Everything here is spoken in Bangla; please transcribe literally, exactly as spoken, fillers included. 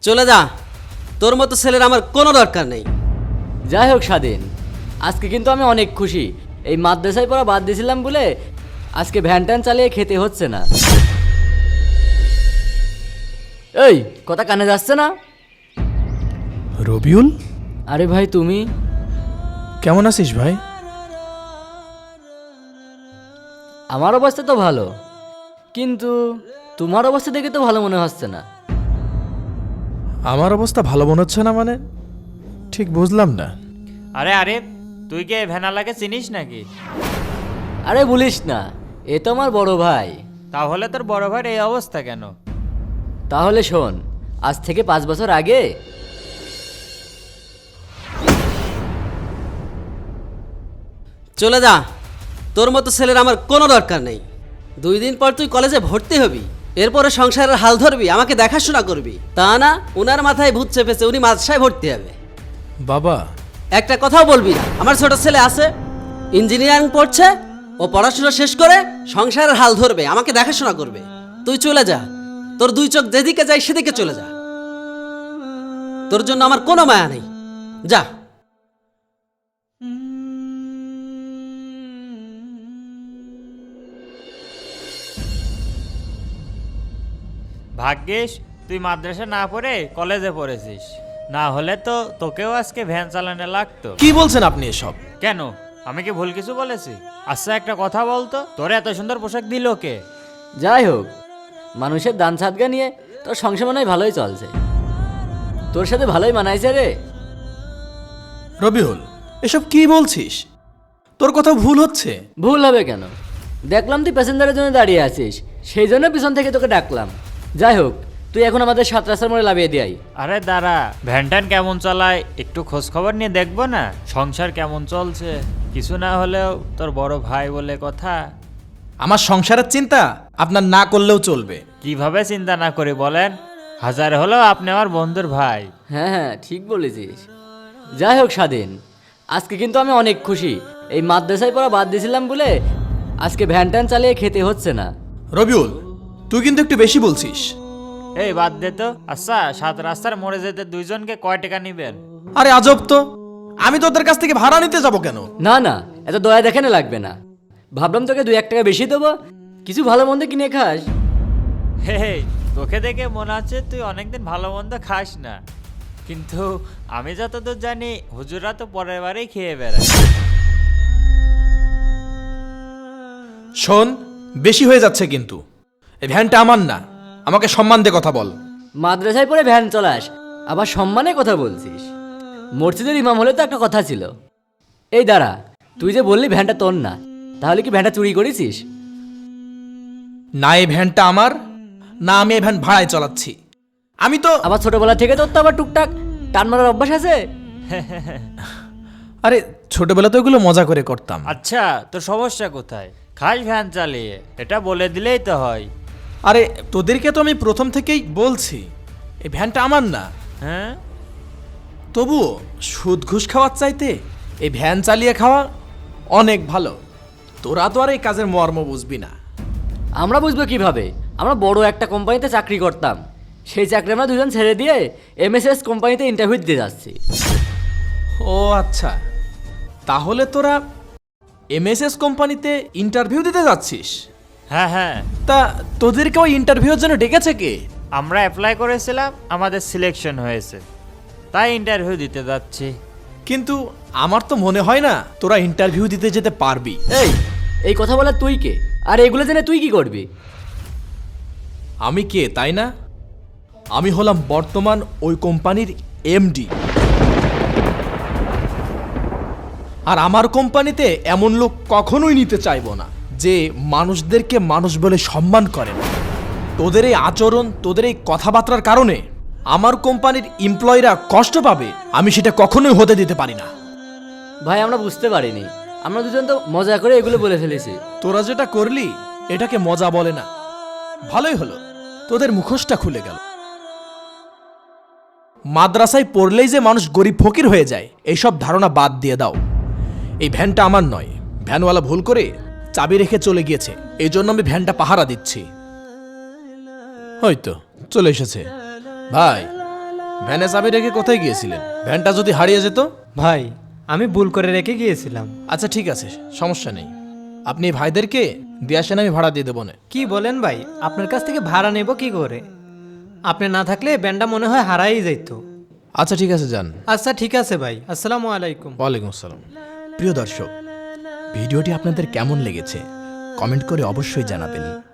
চলে যা, তোর মতো ছেলের আমার কোনো দরকার নেই। যাই হোক স্বাধীন, আজকে কিন্তু আমি অনেক খুশি। এই মাদ্রাসায় পড়া বাদ দিয়েছিলাম বলে আজকে ভ্যান ট্যান চালিয়ে খেতে হচ্ছে না। এই কথা কানে যাচ্ছে না? রবিউল, আরে ভাই তুমি কেমন আছিস ভাই? আমার অবস্থা তো ভালো, কিন্তু তোমার অবস্থা দেখে তো ভালো মনে হচ্ছে না। আমার অবস্থা ভালো মনে হচ্ছে না মানে ঠিক বুঝলাম না। আরে আরে তুই কে ভ্যানালাকে চিনিস নাকি? আরে বলিস না, এ তো আমার বড় ভাই। তাহলে তোর বড় ভাইয়ের এই অবস্থা কেন? তাহলে শোন, আজ থেকে পাঁচ বছর আগে চলে যা, তোর মতো ছেলের আমার কোনো দরকার নেই। দুই দিন পর তুই কলেজে ভর্তি হবি, এরপরে সংসারের হাল ধরবি, আমাকে দেখাশোনা করবি। তা না, উনার মাথায় ভূত চেপেছে, উনি মাদ্রাসায় ভর্তি হবে। বাবা, একটা কথাও বলবি না। আমার ছোট ছেলে আছে, ইঞ্জিনিয়ারিং পড়ছে, ও পড়াশোনা শেষ করে সংসারের হাল ধরবে, আমাকে দেখাশোনা করবে। তুই চলে যা, তোর দুই চোখ যেদিকে যায় সেদিকে চলে যা। তোর জন্য আমার কোনো মায়া নেই, যা। ভাগ্যিস তুই মাদ্রাসা না পড়ে কলেজে পড়েছিস, না হলে তো তোকেও আজকে ভ্যান চালানো লাগতো। কি বলছেন আপনি এসব? কেন, আমি কি ভুল কিছু বলেছি? আচ্ছা একটা কথা বলতো, তোর এত সুন্দর পোশাক দিল কে? যাই হোক, মানুষের দান সাদগা নিয়ে তোর সংসার মনে হয় ভালোই চলছে। তোর সাথে ভালোই মানাইছে রে। রবিউল, এসব কি বলছিস? তোর কথা ভুল হচ্ছে। ভুল হবে কেন? দেখলাম তুই প্যাসেঞ্জারের জন্য দাঁড়িয়ে আছিস, সেই জন্য পিছন থেকে তোকে ডাকলাম। যাই হোক, তুই এখন আমাদের সাত রাস্তার মোড়ে লাভিয়ে দিয়াই। আরে দাঁড়া, ভ্যান ট্যান কেমন চালায় একটু খোঁজ খবর নিয়ে দেখবো না? সংসার কেমন চলছে, কিছু না হলেও তোর বড় ভাই বলে কথা। আমার সংসারের চিন্তা আপনার না করলেও চলবে। কিভাবে চিন্তা না করি বলেন? হাজার হলেও আপনি আমার বন্ধুর ভাই। হ্যাঁ হ্যাঁ, ঠিক বলেছিস। যাই হোক স্বাধীন, আজকে কিন্তু আমি অনেক খুশি। এই মাদ্রাসায় পড়া বাদ দিয়েছিলাম বলে আজকে ভ্যান ট্যান চালিয়ে খেতে হচ্ছে না। রবিউল, তুই কিন্তু একটু বেশি বলছিস। এই বাদ দে তো। আচ্ছা, সাত রাস্তার মোড়ে যেতে দুইজনকে কয় টাকা নিবেন? আরে আজব তো, আমি তোদের কাছ থেকে ভাড়া নিতে যাব কেন? না না, এত দয়া দেখানো লাগবে না। ভাবলাম তোকে দুই এক টাকা বেশি দেবো, কিছু ভালো মন্দ কিনে খাস। হে হে, তোকে দেখে মনে হচ্ছে তুই অনেকদিন ভালো মন্দ খাস না, কিন্তু আমি যতদূর জানি হুজুরা তো পরের বারেই খেয়ে বেড়ায়। শোন, বেশি হয়ে যাচ্ছে কিন্তু। এই ভ্যানটা আমার না, আমাকে সম্মান দিয়ে কথা বল। মাদ্রাসায় পড়ে ভ্যান চলাস, আবার সম্মানে কথা বলছিস? মসজিদের ইমাম হলে তো একটা কথা ছিল। এই দাঁড়া, তুই যে বললি ভ্যানটা তোর না, তাহলে কি ভ্যানটা চুরি করেছিস? না, এই ভ্যানটা আমার না, আমি এই ভ্যান ভাড়ায় চালাচ্ছি। আমি তো আবার ছোটবেলা থেকে তোর তো আবার টুকটাক টান মারার অভ্যাস আছে। আরে ছোটবেলা তো এগুলো মজা করে করতাম। আচ্ছা, তোর সমস্যা কোথায়? খাস ভ্যান চালিয়ে, এটা বলে দিলেই তো হয়। আরে তোদেরকে তো আমি প্রথম থেকেই বলছি এই ভ্যানটা আমার না। হ্যাঁ, তবুও সুদ ঘুষ খাওয়ার চাইতে এই ভ্যান চালিয়ে খাওয়া অনেক ভালো। তোরা তো আর এই কাজের মর্ম বুঝবি না। আমরা বুঝবো কিভাবে? আমরা বড় একটা কোম্পানিতে চাকরি করতাম, সেই চাকরি আমরা দুজন ছেড়ে দিয়ে এমএসএস কোম্পানিতে ইন্টারভিউ দিতে যাচ্ছি। ও আচ্ছা, তাহলে তোরা এমএসএস কোম্পানিতে ইন্টারভিউ দিতে যাচ্ছিস? হ্যাঁ হ্যাঁ, তা তোদেরকে ওই ইন্টারভিউর জন্য ডেকেছে কে? আমরা অ্যাপ্লাই করেছিলাম, আমাদের সিলেকশন হয়েছে, তাই ইন্টারভিউ দিতে যাচ্ছি। কিন্তু আমার তো মনে হয় না তোরা ইন্টারভিউ দিতে যেতে পারবি। এই এই কথা বলা তুই কে? আর এগুলো জেনে তুই কি করবি? আমি কে তাই না? আমি হলাম বর্তমান ওই কোম্পানির এমডি। আর আমার কোম্পানিতে এমন লোক কখনোই নিতে চাইবো না যে মানুষদেরকে মানুষ বলে সম্মান করে না। তোদের এই আচরণ, তোদের এই কথাবার্তার কারণে আমার কোম্পানির এমপ্লয়িরা কষ্ট পাবে, আমি সেটা কখনোই হতে দিতে পারি না। ভাই আমরা বুঝতে পারিনি, আমরা দুজন তো মজা করে এগুলো বলে ফেলেছি। তোরা যেটা করলি এটাকে মজা বলে না। ভালোই হলো, তোদের মুখোশটা খুলে গেল। মাদ্রাসায় পড়লেই যে মানুষ গরিব ফকির হয়ে যায়, এইসব ধারণা বাদ দিয়ে দাও। এই ভ্যানটা আমার নয়, ভ্যানওয়ালা ভুল করে চাবি রেখে চলে গিয়েছে, এই জন্য আমি ভ্যানটা পাহারা দিচ্ছি। হয়তো চলে এসেছে। ভাই, ভ্যানে চাবি রেখে কোথায় গিয়েছিলেন? ভ্যানটা যদি হারিয়ে যেত? ভাই আমি ভুল করে রেখে গিয়েছিলাম। আচ্ছা ঠিক আছে, সমস্যা নেই। আপনি এই ভাইদেরকে দিয়ে আসেন, আমি ভাড়া দিয়ে দেবো না। কি বলেন ভাই, আপনার কাছ থেকে ভাড়া নেব কি করে? আপনি না থাকলে ব্যান্ডটা মনে হয় হারাই যেত। আচ্ছা ঠিক আছে, যান। আচ্ছা ঠিক আছে ভাই, আসসালামু আলাইকুম। ওয়ালাইকুম আসসালাম। প্রিয় দর্শক, ভিডিওটি আপনাদের কেমন লেগেছে কমেন্ট করে অবশ্যই জানাবেন।